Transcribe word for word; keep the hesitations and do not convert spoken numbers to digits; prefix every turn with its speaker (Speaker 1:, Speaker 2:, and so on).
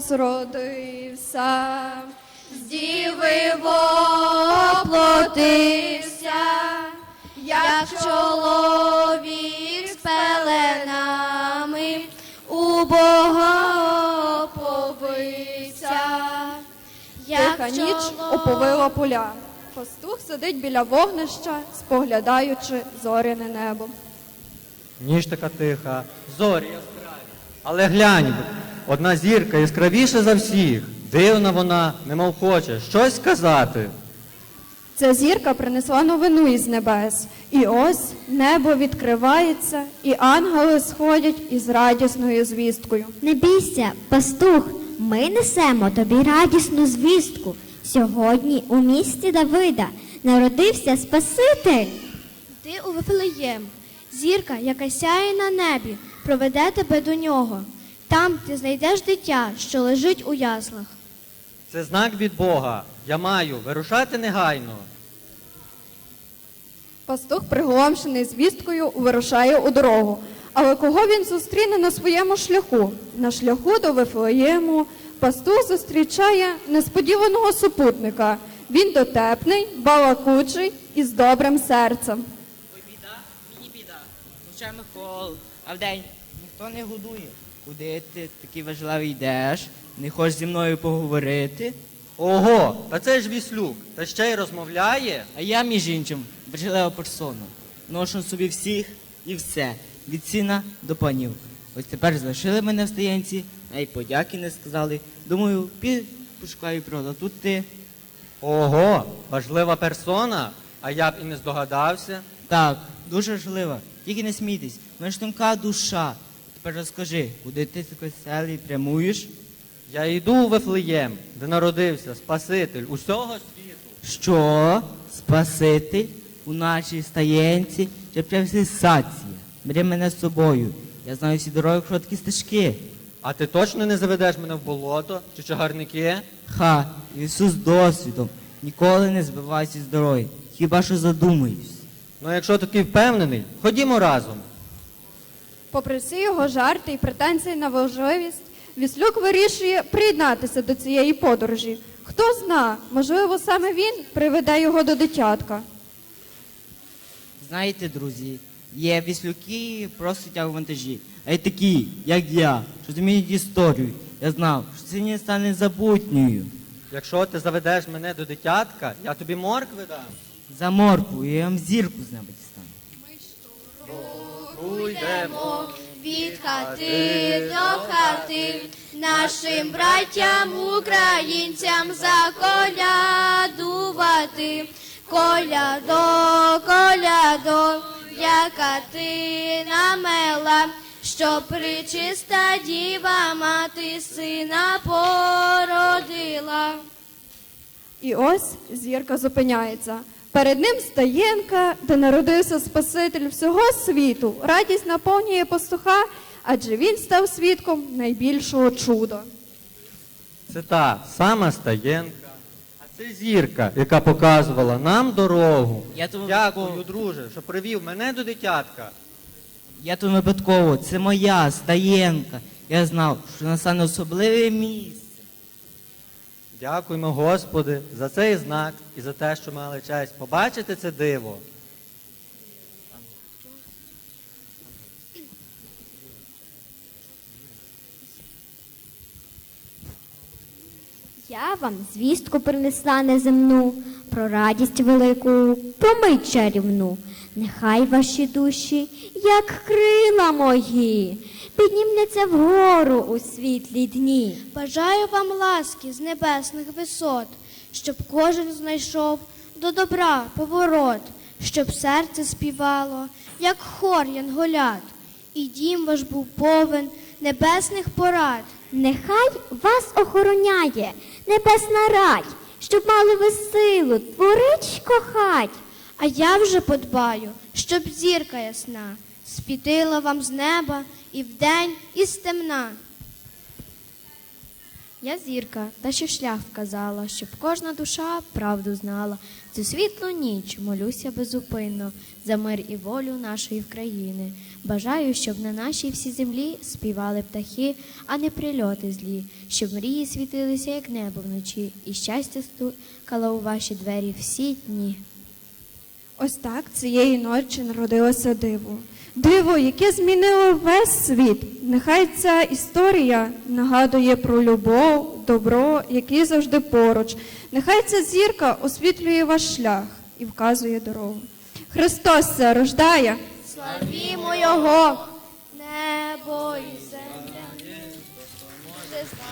Speaker 1: Христос родився, з діви воплотився, як чоловік з пеленами у Бога оповився. Тиха ніч оповила поля. Пастух сидить біля вогнища, споглядаючи зоряне небо.
Speaker 2: Ніч така тиха, зорі яскраві. Але глянь, одна зірка яскравіша за всіх. Дивна вона, немов хоче щось сказати.
Speaker 1: Ця зірка принесла новину із небес. І ось небо відкривається, і ангели сходять із радісною звісткою.
Speaker 3: Не бійся, пастух, ми несемо тобі радісну звістку. Сьогодні у місті Давида народився Спаситель.
Speaker 4: Ти у Вифлеєм, зірка, яка сяє на небі, проведе тебе до нього. Там ти знайдеш дитя, що лежить у яслах.
Speaker 2: Це знак від Бога. Я маю вирушати негайно.
Speaker 1: Пастух, приголомшений звісткою, вирушає у дорогу. Але кого він зустріне на своєму шляху? На шляху до Вифлеєму пастух зустрічає несподіваного супутника. Він дотепний, балакучий і з добрим серцем.
Speaker 5: Ой, біда, мені біда. Ночами хол, а вдень ніхто не годує. Куди ти такий важливий йдеш? Не хочеш зі мною поговорити?
Speaker 2: Ого, та це ж Віслюк, та ще й розмовляє.
Speaker 5: А я, між іншим, важлива персона. Ношу собі всіх і все, від сина до панів. Ось тепер залишили мене в стоянці, а й подяки не сказали. Думаю, піду пошукаю правду. Тут ти.
Speaker 2: Ого, важлива персона, а я б і не здогадався.
Speaker 5: Так, дуже важлива. Тільки не смійтесь, в мене ж тонка душа. Тепер розкажи, куди ти з веселий прямуєш?
Speaker 2: Я йду у Вифлеєм, де народився Спаситель усього світу.
Speaker 5: Що? Спаситель? У нашій стаєнці чи прям сенсація? Бери мене з собою. Я знаю всі дороги, короткі стежки.
Speaker 2: А ти точно не заведеш мене в болото чи чагарники?
Speaker 5: Ха, Ісус досвідом. Ніколи не збивайся з дороги. Хіба що задумаюсь.
Speaker 2: Ну, якщо такий впевнений, ходімо разом.
Speaker 1: Попри всі його жарти і претензії на важливість, Віслюк вирішує приєднатися до цієї подорожі. Хто зна, можливо, саме він приведе його до дитятка.
Speaker 5: Знаєте, друзі, є віслюки, просто тягу вантажі. А й такі, як я, що змінюють історію. Я знав, що це не стане забутньою.
Speaker 2: Якщо ти заведеш мене до дитятка, я тобі моркви дам.
Speaker 5: За моркву, я вам зірку з неба дістану.
Speaker 2: Уйдемо.
Speaker 4: Від хати до хати, нашим братям, українцям заколядувати. Колядо, колядо, яка ти намела, що пречиста діва мати сина породила.
Speaker 1: І ось зірка зупиняється. Перед ним стаєнка, де народився Спаситель всього світу. Радість наповнює пастуха, адже він став свідком найбільшого чуда.
Speaker 2: Це та сама стаєнка, а це зірка, яка показувала нам дорогу.
Speaker 5: Я тому
Speaker 2: Дякую,
Speaker 5: випадково-
Speaker 2: друже, що привів мене до дитятка.
Speaker 5: Я тут випадково, це моя стаєнка. Я знав, що настане особливе місце.
Speaker 2: Дякуємо, Господи, за цей знак і за те, що мали честь побачити це диво.
Speaker 3: Я вам звістку принесла неземну, про радість велику, про мить чарівну. Нехай ваші душі, як крила мої, піднімляться вгору у світлі дні.
Speaker 4: Бажаю вам ласки з небесних висот, щоб кожен знайшов до добра поворот, щоб серце співало, як хор янголят, і дім ваш був повен небесних порад.
Speaker 3: Нехай вас охороняє небесна рать, щоб мали ви силу творить кохать.
Speaker 4: А я вже подбаю, щоб зірка ясна світила вам з неба і вдень, і з темна. Я зірка, та що шлях вказала, щоб кожна душа правду знала. Цю світлу ніч молюся безупинно за мир і волю нашої країни. Бажаю, щоб на нашій всій землі співали птахи, а не прильоти злі, щоб мрії світилися, як небо вночі, і щастя стукало у ваші двері всі дні.
Speaker 1: Ось так цієї ночі народилося диво. Диво, яке змінило весь світ. Нехай ця історія нагадує про любов, добро, які завжди поруч. Нехай ця зірка освітлює ваш шлях і вказує дорогу. Христос се рождає.
Speaker 4: Славімо Його, небо і земля.